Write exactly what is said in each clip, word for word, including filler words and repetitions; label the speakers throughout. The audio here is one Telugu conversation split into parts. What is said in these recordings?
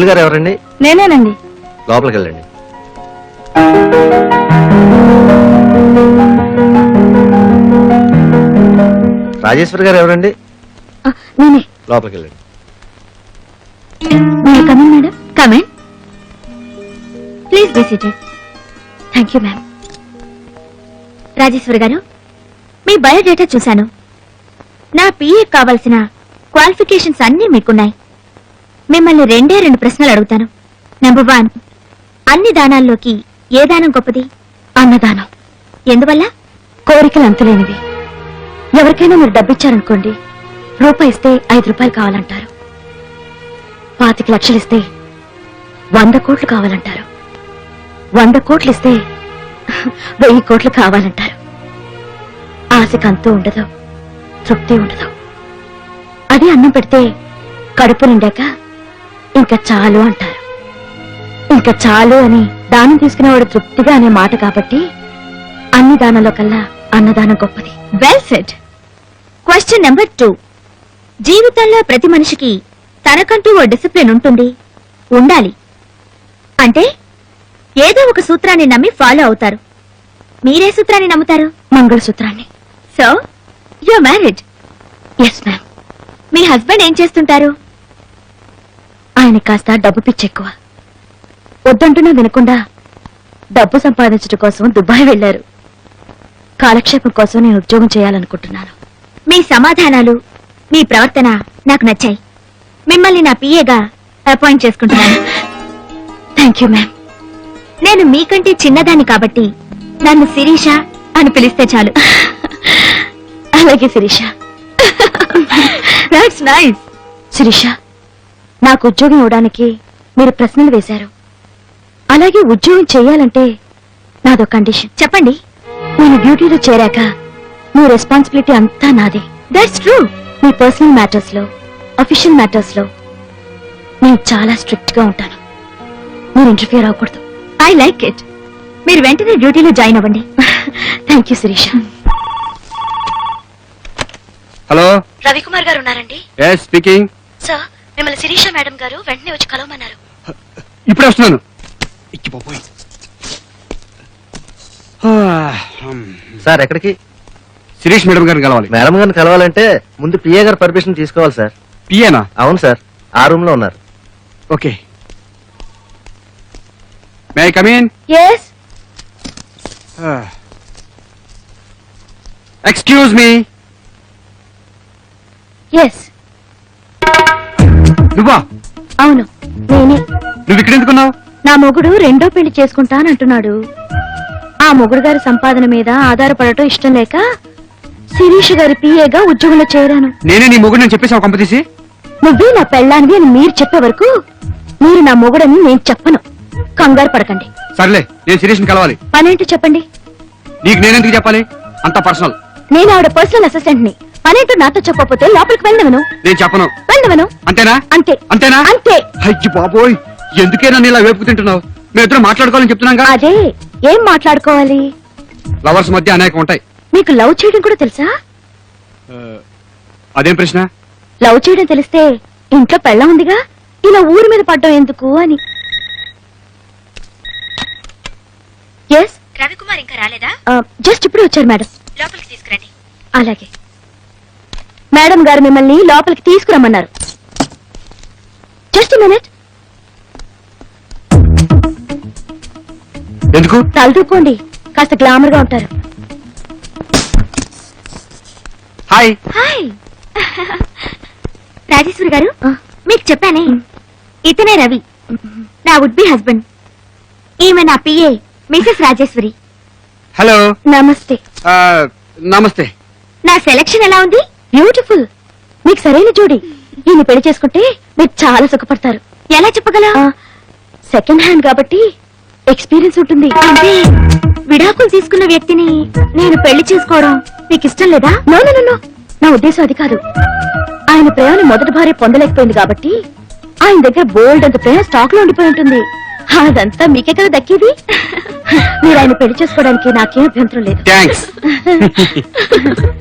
Speaker 1: రాజేశ్వరి గారు ఎవరండి?
Speaker 2: నేనేనండి.
Speaker 1: లోపలికి వెళ్ళండి. రాజేశ్వరి గారు ఎవరండి?
Speaker 2: నేనే.
Speaker 1: లోపలికి వెళ్ళండి.
Speaker 2: Come in madam. Come in. Please be seated. Thank you ma'am. Rajeshwari garu, మీ బయోడేటా చూశాను. నా పిఏ కావాల్సిన క్వాలిఫికేషన్స్ అన్నీ మీకున్నాయి. మిమ్మల్ని రెండే రెండు ప్రశ్నలు అడుగుతాను. నెంబర్ వన్, అన్ని దానాల్లోకి ఏ దానం గొప్పది? అన్నదానం. ఎందువల్ల? కోరికలు అంతులేనివి. ఎవరికైనా మీరు డబ్బిచ్చారనుకోండి, రూపాయి ఇస్తే ఐదు రూపాయలు కావాలంటారు. పాతిక లక్షలు ఇస్తే వంద కోట్లు కావాలంటారు. వంద కోట్లు ఇస్తే వెయ్యి కోట్లు కావాలంటారు. ఆశకు అంతూ ఉండదు, తృప్తి ఉండదు. అది అన్నం పెడితే కడుపు నిండాక ఇంకా చాలు అంటారు. ఇంకా చాలు అని దానం తీసుకునేవాడు తృప్తిగా అనే మాట కాబట్టి అన్ని దానంలో కల్లా అన్నదానం గొప్పది. Well said. Question number two, జీవితంలో ప్రతి మనిషికి తనకంటూ ఓ డిసిప్లిన్ ఉంటుంది, ఉండాలి. అంటే ఏదో ఒక సూత్రాన్ని నమ్మి ఫాలో అవుతారు. మీరే సూత్రాన్ని నమ్ముతారు? మంగళసూత్రాన్ని. So you married? Yes ma'am. మీ హస్బెండ్ ఏం చేస్తుంటారు? ఆయన కాస్త డబ్బు పిచ్చి ఎక్కువ. వద్దంటున్నా వినకుండా డబ్బు సంపాదించడం కోసం దుబాయ్ వెళ్లారు. కాలక్షేపం కోసం నేను ఉద్యోగం చేయాలనుకుంటున్నాను. మీ సమాధానాలు, మీ ప్రవర్తన నాకు నచ్చాయి. మిమ్మల్ని నా పిఏగా అపాయింట్ చేసుకుంటున్నాను. Thank you ma'am. నేను మీకంటే చిన్నదాన్ని కాబట్టి నన్ను శిరీష అని పిలిస్తే చాలు. అలాగే శిరీష. That's nice. శిరీష, నాకు ఉద్యోగం ఇవ్వడానికి మీరు ప్రశ్నలు వేశారు. అలాగే ఉద్యోగం చేయాలంటే నాదో కండిషన్. చెప్పండి. నేను డ్యూటీలో చేరాక మీ రెస్పాన్సిబిలిటీ అంతా నాదే. That's true. మీ పర్సనల్ మ్యాటర్స్ లో, అఫీషియల్ మ్యాటర్స్ లో నేను చాలా స్ట్రిక్ట్ గా ఉంటాను. మీరు ఇంటర్ఫియర్ అవ్వకూడదు. I like it. మీరు వెంటనే డ్యూటీలో జాయిన్ అవ్వండి. Thank you Sirisha.
Speaker 3: Hello,
Speaker 2: Ravikumar garu ఉన్నారండి?
Speaker 3: Yes speaking.
Speaker 2: సార్, మిమ్మల్ని శిరీష మేడం గారు వెంటనే వచ్చి కలవమన్నారు.
Speaker 3: ఇప్పుడే వస్తున్నాను.
Speaker 1: సార్ ఎక్కడికి?
Speaker 3: శిరీష్ మేడం గారిని కలవాలి.
Speaker 1: మేడం గారిని కలవాలంటే ముందు పిఏ గారు పర్మిషన్ తీసుకోవాలి సార్.
Speaker 3: పిఏనా?
Speaker 1: అవును సార్, ఆ రూమ్ లో ఉన్నారు.
Speaker 3: Okay. May I come in?
Speaker 2: yes.
Speaker 3: Excuse me.
Speaker 2: yes.
Speaker 3: నువ్వా?
Speaker 2: అవును, నేనే.
Speaker 3: నువ్వు ఇక్కడ ఎందుకున్నావు?
Speaker 2: నా మొగుడు రెండో పెళ్లి చేసుకుంటానంటున్నాడు. ఆ మొగుడు గారి సంపాదన మీద ఆధారపడటం ఇష్టం లేక శిరీష్ గారి పిఏగా ఉద్యోగంలో చేరాను.
Speaker 3: నేనే నీ మొగుడు నేను చెప్పేసావు కంపతీసి.
Speaker 2: నువ్వే నా పెళ్ళానివి అని మీరు చెప్పే వరకు మీరు నా మొగుడని నేను చెప్పను. కంగారు పడకండి.
Speaker 3: సర్లే, నేను శిరీష్ ని కలవాలి.
Speaker 2: పనేంటో చెప్పండి.
Speaker 3: నీకు నేనెందుకు చెప్పాలి? అంత పర్సనల్.
Speaker 2: నేను ఆవిడ పర్సనల్ అసిస్టెంట్ ని. పనేంటో నాతో చెప్పకపోతే లోపలికి వెళ్ళవను.
Speaker 3: నేను చెప్పను.
Speaker 2: వెళ్ళవను.
Speaker 3: అంతేనా?
Speaker 2: అంతే.
Speaker 3: అంతేనా?
Speaker 2: అంతే.
Speaker 3: అయ్యి బాబోయ్, ఎందుకే నన్ను ఇలా వేపుకు తింటున్నావు? మేమిద్దరం మాట్లాడుకోవాలని చెప్తున్నాగా.
Speaker 2: అదే, ఏం మాట్లాడుకోవాలి?
Speaker 3: లవర్స్ మధ్య అనేక ఉంటాయి.
Speaker 2: మీకు లవ్ చేయడం కూడా తెలుసా?
Speaker 3: అదేం ప్రశ్న?
Speaker 2: లవ్ చేయడం తెలిస్తే ఇంట్లో పెళ్ళ ఉందిగా, ఇలా ఊరి మీద పడ్డం ఎందుకు అని. ఎస్, రవికుమార్ ఇంకా రాలేదా? జస్ట్ ఇప్పుడు వచ్చారు మేడం. లోపలికి తీసుకురండి. అలాగే. మేడం గారు మిమ్మల్ని లోపలికి తీసుకురమ్మన్నారు. Just minute.
Speaker 3: ఎందుకు?
Speaker 2: తలదూకోండి, కాస్త గ్లామర్ గా ఉంటారు.
Speaker 3: హాయ్.
Speaker 2: హాయ్ రాజేశ్వరి గారు, మీకు చెప్పానే, ఇతనే రవి, నా వుడ్ బి హస్బెండ్. ఈమె నా పిఏ మిసెస్ రాజేశ్వరి.
Speaker 3: హలో.
Speaker 2: నమస్తే.
Speaker 3: నమస్తే.
Speaker 2: నా సెలక్షన్ ఎలా ఉంది? బ్యూటిఫుల్. మీకు సరైన జోడి. ఈయన పెళ్లి చేసుకుంటే మీరు చాలా సుఖపడతారు. ఎలా చెప్పగల? సెకండ్ హ్యాండ్ కాబట్టి ఎక్స్పీరియన్స్ ఉంటుంది. అంటే విడాకులు తీసుకున్న వ్యక్తిని నేను పెళ్లి చేసుకోవడం మీకు ఇష్టం లేదా? నో నో నో, నా ఉద్దేశం అది కాదు. ఆయన ప్రేమను మొదటి భార్య పొందలేకపోయింది కాబట్టి ఆయన దగ్గర బోల్డ్ అంత ప్రేమ స్టాక్ లో ఉండిపోయి ఉంటుంది. అదంతా మీకే కదా దక్కేది. మీరు ఆయన పెళ్లి చేసుకోవడానికి నాకేం అభ్యంతరం లేదు.
Speaker 3: థాంక్స్.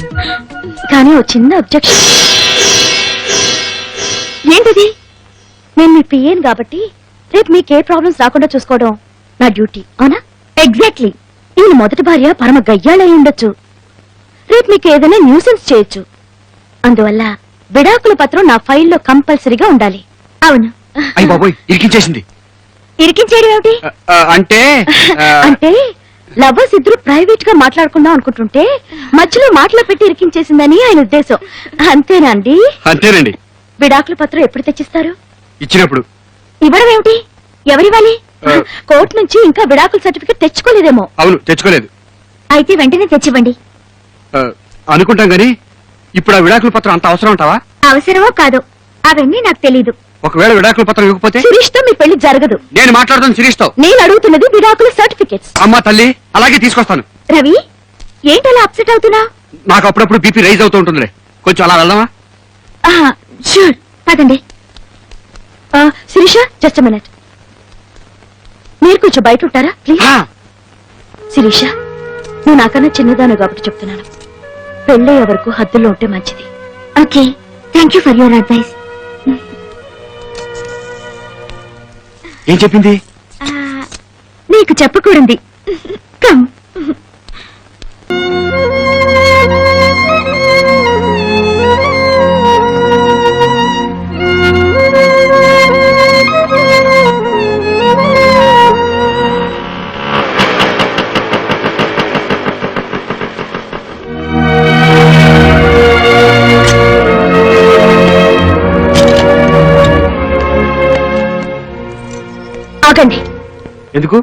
Speaker 2: కానీ ఓ చిన్న అబ్జెక్షన్. ఏంటిది? నేను మీ పిఏను కాబట్టి రేపు మీకే ప్రాబ్లమ్స్ రాకుండా చూసుకోవడం నా డ్యూటీ అవునా? ఎగ్జాక్ట్లీ. ఈయన మొదటి భార్య పరమ గయ్యాళై ఉండొచ్చు. రేపు మీకు ఏదైనా న్యూసెన్స్ చేయొచ్చు. అందువల్ల విడాకుల పత్రం నా ఫైల్లో కంపల్సరీగా ఉండాలి. అవును.
Speaker 3: అయ్యి బాబోయ్, ఇరికించేసింది.
Speaker 2: ఇరికించేయడం ఏమిటి?
Speaker 3: ఆ, ఆ, అంటే ఆ,
Speaker 2: అంటే లవర్స్ ఇద్దరు ప్రైవేట్ గా మాట్లాడుకుందాం అనుకుంటుంటే మధ్యలో మాటలు పెట్టి ఇరికించేసిందని ఆయన ఉద్దేశం. అంతేనా అండి?
Speaker 3: అంతేనండి.
Speaker 2: విడాకుల పత్రం ఎప్పుడు తెచ్చిస్తారు?
Speaker 3: ఇచ్చినప్పుడు.
Speaker 2: ఇవ్వడం ఏమిటి? ఎవరివ్వాలి?
Speaker 3: ఆ.
Speaker 2: కోర్టు నుంచి ఇంకా విడాకుల సర్టిఫికెట్ తెచ్చుకోలేదేమో.
Speaker 3: అవును, తెచ్చుకోలేదు.
Speaker 2: అయితే వెంటనే తెచ్చివ్వండి.
Speaker 3: ఆ, అనుకుంటాం గాని ఇప్పుడు ఆ విడాకుల పత్రం అంత అవసరం అంటావా?
Speaker 2: అవసరమో కాదో అవన్నీ నాకు తెలీదు.
Speaker 3: ఒకవేళ విడాకుల పత్రం ఇవ్వకపోతే
Speaker 2: శిరీష్ తో మీ పెళ్లి జరగదు.
Speaker 3: నేను మాట్లాడుతాను శిరీష్తో.
Speaker 2: నేను అడుగుతున్నది విడాకుల సర్టిఫికెట్స్.
Speaker 3: అమ్మా తల్లి, అలాగే తీసుకొస్తాను.
Speaker 2: రవి, ఏంటలా అప్సెట్ అవుతున్నా?
Speaker 3: నాకు అప్పుడప్పుడు బీపీ రైజ్ అవుతూ ఉంటుందిలే. కొంచెం అలా వెళ్దామా?
Speaker 2: షూర్, పదండి. Sirisha, just minute. మీరు కొంచెం బయట ఉంటారా ప్లీజ్?
Speaker 3: ఆ,
Speaker 2: శిరీష, నువ్వు నాకన్నా చిన్నదాను కాబట్టి చెప్తున్నాను. పెళ్ళయ్యే వరకు హద్దుల్లో ఉంటే మంచిది. Okay, thank you for your advice.
Speaker 3: ఏం చెప్పింది?
Speaker 2: నీకు చెప్పకూడదు. కమ్. ఆగండి.
Speaker 3: ఎందుకు?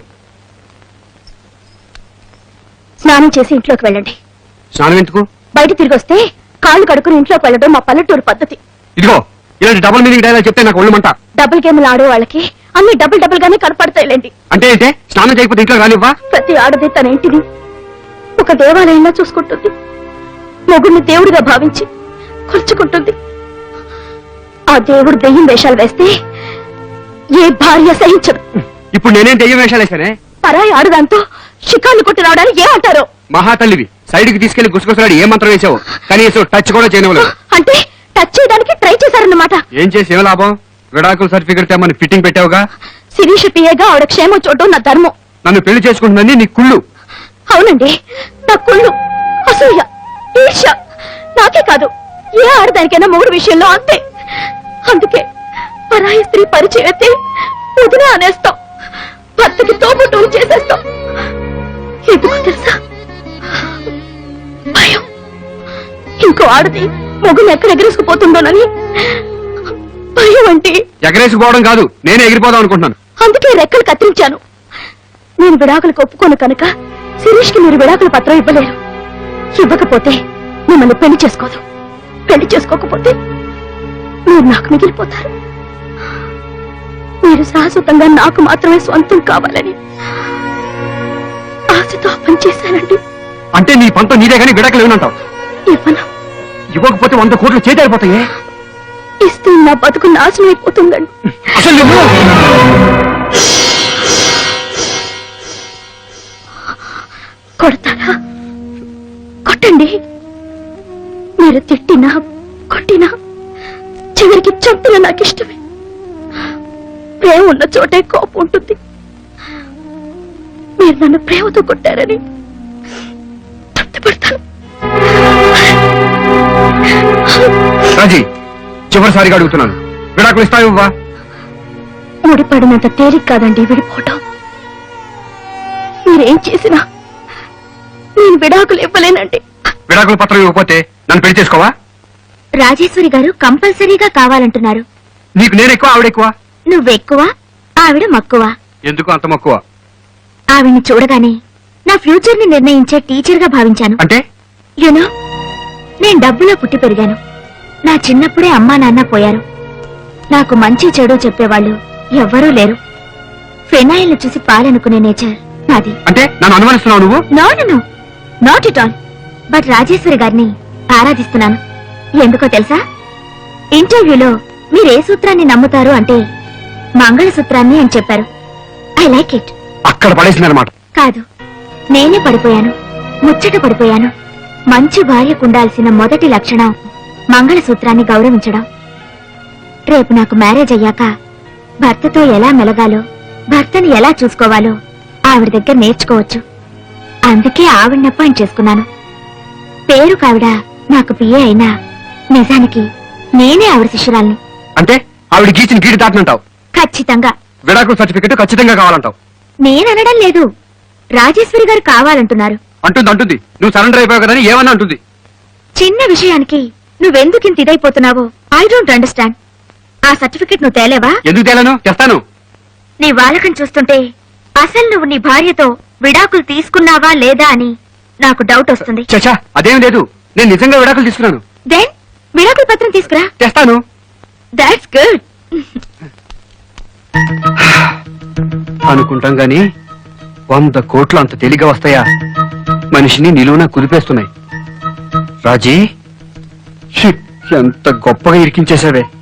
Speaker 2: స్నానం చేసి ఇంట్లోకి వెళ్ళండి.
Speaker 3: స్నానం ఎందుకు?
Speaker 2: బయట తిరిగి వస్తే కాళ్ళు కడుక్కుని ఇంట్లోకి వెళ్ళడం మా పల్లెటూరు పద్ధతి.
Speaker 3: ఇదిగో, ఇలాంటి డబుల్ మీనింగ్ డైలాగ్ చెప్తే నాకు ఒళ్ళుమంట.
Speaker 2: డబుల్ గేమ్లు ఆడే వాళ్ళకి అన్ని డబుల్ డబుల్ గానే కనపడతాయిలేండి.
Speaker 3: అంటే ఏంటే? స్నానం చేయకపోతే ఇంట్లో రానివ్వా?
Speaker 2: ప్రతి ఆడది తన ఇంటిని ఒక దేవాలయంలో చూసుకుంటుంది. మొగుడిని దేవుడిగా భావించి కొలుచుకుంటుంది. ఆ దేవుడు దెయ్యం వేషాలు వేస్తే ఏ భార్య సహించదు.
Speaker 3: ఇప్పుడు నేనేం దెయ్యం వేషాలు వేశానే?
Speaker 2: పరాయి ఆడదాంతో షికార్లు కొట్టి రావడానికి ఏమంటారు?
Speaker 3: మహాతల్లివి, సైడ్ కి తీసుకెళ్లి గుసగుసలాడి ఏ మంత్రం వేసావు? కనీసం టచ్ కూడా చేయనివ్వలేదు.
Speaker 2: అంటే టచ్ చేయడానికి ట్రై చేశారన్నమాట.
Speaker 3: ఏం చేసి ఏం లాభం? విడాకుల సర్టిఫికెట్ తెమ్మని ఫిట్టింగ్ పెట్టావుగా.
Speaker 2: శిరీష పిఏగా ఆవిడ క్షేమం చూడడం నా ధర్మం.
Speaker 3: నన్ను పెళ్లి చేసుకుంటుందని నీ కుళ్ళు.
Speaker 2: అవునండి, నా కుళ్ళు, అసూయ, ఈర్ష్య. నాకే కాదు, ఏ ఆడదానికైనా మూడు విషయంలో అంతే. అందుకే పరాయి స్త్రీ పరిచయం అయితే వదిన అనేస్తాం, భర్తకి తోబుట్టువు చేసేస్తాం. ఎందుకు తెలుసా? భయం. ఇంకో ఆడది మొగుని ఎక్కడ ఎగరేసుకుపోతుందోనని భయం. అంటే
Speaker 3: ఎగరేసుకోవడం కాదు, నేనే ఎగిరిపోదాం అనుకుంటున్నాను.
Speaker 2: అందుకే రెక్కలు కత్తిరించాను. నేను విడాకులకు ఒప్పుకోను కనుక శిరీష్ కి మీరు విడాకుల పత్రం ఇవ్వలేరు. ఇవ్వకపోతే మిమ్మల్ని పెళ్లి చేసుకోదు. పెళ్లి చేసుకోకపోతే మీరు నాకు మిగిలిపోతారు. మీరు శాశ్వతంగా నాకు మాత్రమే సొంతం కావాలని ఆశతో పనిచేశానండి.
Speaker 3: అంటే నీ పంతం నీదే కానీ విడాకులు ఏమనంటావు?
Speaker 2: ఇవ్వను.
Speaker 3: ఇవ్వకపోతే వంద కోట్లు చేతారిపోతాయే.
Speaker 2: ఇస్తే నా బతుకు నాశనం అయిపోతుందండి.
Speaker 3: అసలు నువ్వు
Speaker 2: కొడతారా? కొట్టండి. మీరు తిట్టినా కొట్టినా చివరికి చంపిన నాకు ఇష్టమే. ప్రేమ ఉన్న చోటే కోపం ఉంటుంది. మీరు నన్ను ప్రేమతో కొట్టారని తృప్తిపడతాను.
Speaker 3: రాజీ, చివరిసారిగా అడుగుతున్నాను, విడాకులు ఇస్తావా?
Speaker 2: ముడిపడినంత తేలిక కాదండి విడిపోవటం. మీరేం చేసినా నేను విడాకులు ఇవ్వలేనండి.
Speaker 3: విడాకుల పత్రం ఇవ్వకపోతే నన్ను పెళ్లి చేసుకోవా?
Speaker 2: రాజేశ్వరి గారు కంపల్సరీగా కావాలంటున్నారు.
Speaker 3: నీకు నేను ఎక్కువ, ఆవిడ ఎక్కువ?
Speaker 2: నువ్వెక్కువ, ఆవిడ మక్కువ.
Speaker 3: ఎందుకు అంత మక్కువ?
Speaker 2: ఆవిడ్ని చూడగానే నా ఫ్యూచర్ ని నిర్ణయించే టీచర్ గా భావించాను.
Speaker 3: అంటే
Speaker 2: యూనో, నేను డబ్బులో పుట్టి పెరిగాను. నా చిన్నప్పుడే అమ్మా నాన్న పోయారు. నాకు మంచి చెడు చెప్పేవాళ్ళు ఎవ్వరూ లేరు. ఫెనాయిల్ చూసి పాలనుకునే నేచర్ నాది.
Speaker 3: అంటే నన్ను అనుమానిస్తున్నావు నువ్వు?
Speaker 2: No no no, not it all. But Rajeshwari గారిని ఆరాధిస్తున్నాను. ఎందుకో తెలుసా? ఇంటర్వ్యూలో మీరే సూత్రాన్ని నమ్ముతారు అంటే మంగళసూత్రాన్ని అని చెప్పారు. I like it.
Speaker 3: అక్కడ పడేసిందనమాట.
Speaker 2: కాదు, నేనే పడిపోయాను, ముచ్చట పడిపోయాను. మంచి భార్యకుండాల్సిన మొదటి లక్షణం మంగళసూత్రాన్ని గౌరవించడం. రేపు నాకు మ్యారేజ్ అయ్యాక భర్తతో ఎలా మెలగాలో భర్తని ఎలా చూసుకోవాలో ఆవిడ దగ్గర నేర్చుకోవచ్చు. అందుకే ఆవిడని అపాయింట్ చేసుకున్నాను. పేరు కావిడ నాకు పిఏ అయినా నిజానికి నేనే ఆవిడ శిష్యురాల్ని.
Speaker 3: అంటే ఆవిడ గీచిన గీడి దాటనంటావు.
Speaker 2: ఖచ్చితంగా.
Speaker 3: విడాకుల సర్టిఫికెట్ ఖచ్చితంగా కావాలంటావు.
Speaker 2: నేననడం లేదు, రాజేశ్వరి గారు కావాలంటున్నారు.
Speaker 3: అంటుంది అంటుంది నువ్వు సరెండర్ అయిపోయావు కదని ఏమన్నా అంటుంది.
Speaker 2: చిన్న విషయానికి నువ్వెందుకింత ఇదైపోతున్నావో ఐ డోంట్ అండర్స్టాండ్. ఆ సర్టిఫికెట్ నువ్వు తేలేవా?
Speaker 3: ఎందుకు తేలను? తెస్తాను.
Speaker 2: నీ వాలకం చూస్తుంటే అసలు నువ్వు నీ భార్యతో విడాకులు తీసుకున్నావా లేదా అని నాకు డౌట్ వస్తుంది.
Speaker 3: చచ్చా అదేం లేదు, నేను నిజంగా విడాకులు తీసుకున్నాను.
Speaker 2: దెన్ విడాకుల పత్రం తీసుకురా.
Speaker 3: తెస్తాను.
Speaker 2: That's good.
Speaker 3: అనుకుంటాం గాని వంద కోట్లు అంత తేలిగ్గా వస్తాయా? మనిషిని నిలువున కుదిపేస్తున్నాయి. రాజీ, షిట్, ఎంత గొప్పగా ఇరికించేశావే.